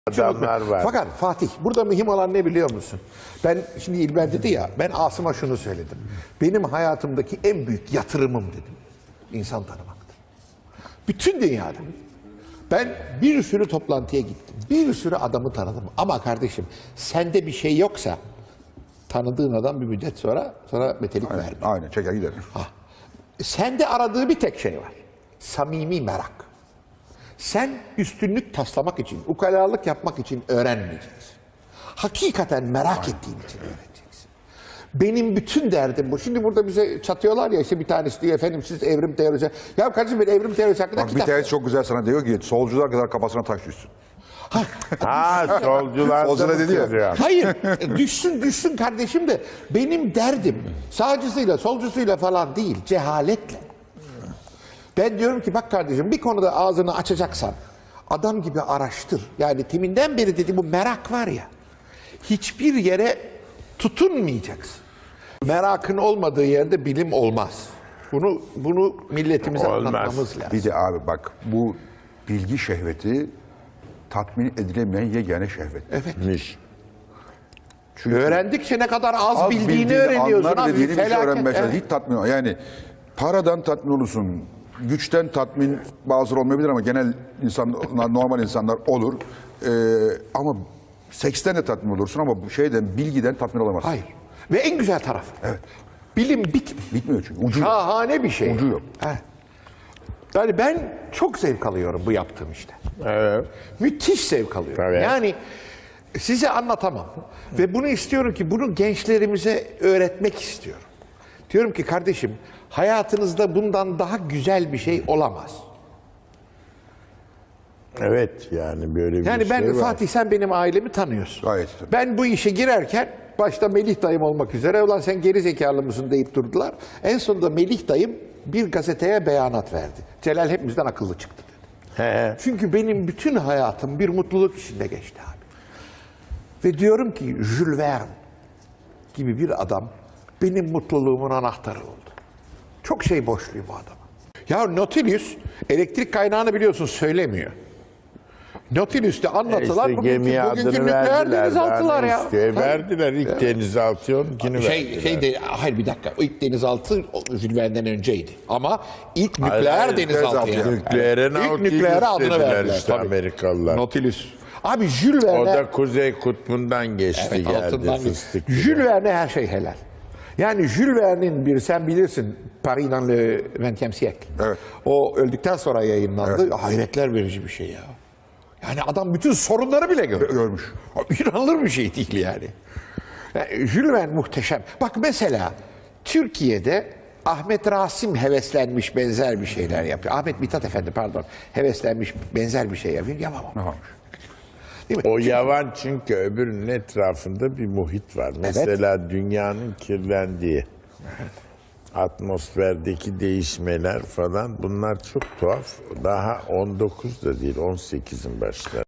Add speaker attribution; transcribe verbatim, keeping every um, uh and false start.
Speaker 1: Adamlar var.
Speaker 2: Fakat Fatih, burada mühim olan ne biliyor musun? Ben şimdi İlber dedi ya, ben Asım'a şunu söyledim. Benim hayatımdaki en büyük yatırımım dedim. İnsan tanımaktır. Bütün dünyada. Ben bir sürü toplantıya gittim. Bir sürü adamı tanıdım. Ama kardeşim, sende bir şey yoksa tanıdığın adam bir müddet sonra sonra metelik vermiyor.
Speaker 3: Aynen, çeker gider.
Speaker 2: Ha. Sende aradığı bir tek şey var. Samimi merak. Sen üstünlük taslamak için, ukalalık yapmak için öğrenmeyeceksin. Hakikaten merak Aynen. ettiğin için öğreneceksin. Benim bütün derdim bu. Şimdi burada bize çatıyorlar ya, işte bir tanesi diyor efendim siz evrim teorisi. Ya kardeşim ben evrim teorisi hakkında
Speaker 3: Bak,
Speaker 2: kitap.
Speaker 3: bir tanesi çok güzel sana diyor ki solcular kadar kafasına taş düşsün.
Speaker 2: Ha,
Speaker 1: Ha solcular
Speaker 3: Solcular dedi ya.
Speaker 1: ya.
Speaker 2: Hayır, düşsün düşsün kardeşim de benim derdim sağcısıyla solcusuyla falan değil, cehaletle. Ben diyorum ki bak kardeşim bir konuda ağzını açacaksan adam gibi araştır. Yani teminden beri dedi bu merak var ya, hiçbir yere tutunmayacaksın. Merakın olmadığı yerde bilim olmaz. Bunu bunu milletimize
Speaker 1: Olmaz.
Speaker 2: anlatmamız lazım.
Speaker 3: Bir de abi bak, bu bilgi şehveti tatmin edilemeyen yegane şehvet.
Speaker 2: Evet.
Speaker 3: Çünkü
Speaker 2: Öğrendikçe ne kadar az,
Speaker 3: az
Speaker 2: bildiğini,
Speaker 3: bildiğini,
Speaker 2: öğreniyorsun.
Speaker 3: anlar
Speaker 2: Abi,
Speaker 3: dediğini bir şey
Speaker 2: felaket.
Speaker 3: öğrenmeye çalışıyor.
Speaker 2: Evet.
Speaker 3: Hiç tatmin ol- Yani paradan tatmin olursun. Güçten tatmin bazıları olmayabilir ama genel insanlar, normal insanlar olur. Ee, ama seksten de tatmin olursun ama bu şeyden, bilgiden tatmin olamazsın.
Speaker 2: Hayır. Ve en güzel taraf.
Speaker 3: Evet.
Speaker 2: Bilim bitmiyor.
Speaker 3: Bitmiyor çünkü. Ucu yok.
Speaker 2: Şahane bir şey.
Speaker 3: Ucu yok.
Speaker 2: He. Yani ben çok zevk alıyorum bu yaptığım işte.
Speaker 1: Evet.
Speaker 2: Müthiş zevk alıyorum.
Speaker 1: Tabii.
Speaker 2: Yani size anlatamam. Ve bunu istiyorum ki bunu gençlerimize öğretmek istiyorum. Diyorum ki kardeşim hayatınızda bundan daha güzel bir şey olamaz.
Speaker 1: Evet yani böyle bir
Speaker 2: Yani ben
Speaker 1: şey var.
Speaker 2: Fatih sen benim ailemi tanıyorsun.
Speaker 3: Gayet tabii.
Speaker 2: Ben bu işe girerken başta Melih dayım olmak üzere ulan sen geri zekalı mısın deyip durdular. En sonunda Melih dayım bir gazeteye beyanat verdi. Celal hepimizden akıllı çıktı dedi.
Speaker 1: He.
Speaker 2: Çünkü benim bütün hayatım bir mutluluk içinde geçti abi. Ve diyorum ki Jules Verne gibi bir adam benim mutluluğumun anahtarı oldu. Çok şey borçluyum bu adama. Ya Nautilus elektrik kaynağını biliyorsun söylemiyor. Nautilus'te anlatılan
Speaker 1: İşte
Speaker 2: bugünkü,
Speaker 1: gemiye
Speaker 2: bugünkü
Speaker 1: adını
Speaker 2: nükleer
Speaker 1: verdiler.
Speaker 2: denizaltılar
Speaker 1: daha
Speaker 2: ya.
Speaker 1: ne istiyor?
Speaker 2: Hayır.
Speaker 1: Verdiler ilk denizaltı onunkini
Speaker 2: Şey,
Speaker 1: verdiler.
Speaker 2: şey de, hayır bir dakika. O ilk denizaltı o Jules Verne'den önceydi. Ama ilk
Speaker 1: Hayır,
Speaker 2: nükleer
Speaker 1: hayır,
Speaker 2: denizaltı
Speaker 3: denizaltı
Speaker 2: yani.
Speaker 3: yani.
Speaker 1: Nükleere
Speaker 2: İlk
Speaker 1: Nautilus
Speaker 2: nükleere adını
Speaker 1: dediler
Speaker 2: verdiler.
Speaker 1: işte
Speaker 2: tabii.
Speaker 1: Amerikalılar.
Speaker 2: Nautilus. Abi Jules Verne...
Speaker 1: O da Kuzey Kutbu'ndan geçti
Speaker 2: Evet,
Speaker 1: geldi
Speaker 2: altından geçti.
Speaker 1: fıstık.
Speaker 2: Jules Verne her şey helal. Yani Jules Verne'in bir sen bilirsin Paris dans le vingtième siècle.
Speaker 3: Evet.
Speaker 2: O öldükten sonra yayınlandı. Hayretler verici bir şey ya. Yani adam bütün sorunları bile görmüş.
Speaker 3: Görmüş.
Speaker 2: İnanılır bir şey değil yani. yani. Jules Verne muhteşem. Bak mesela Türkiye'de Ahmet Rasim heveslenmiş benzer bir şeyler yapıyor. Ahmet Mithat Efendi pardon heveslenmiş benzer bir şey yapıyor. Yapamam.
Speaker 3: Aha.
Speaker 2: Değil mi?
Speaker 1: O yavan çünkü öbürünün etrafında bir muhit var. Mesela dünyanın kirlendiği, atmosferdeki değişmeler falan bunlar çok tuhaf. Daha on dokuz da değil on sekizin başları.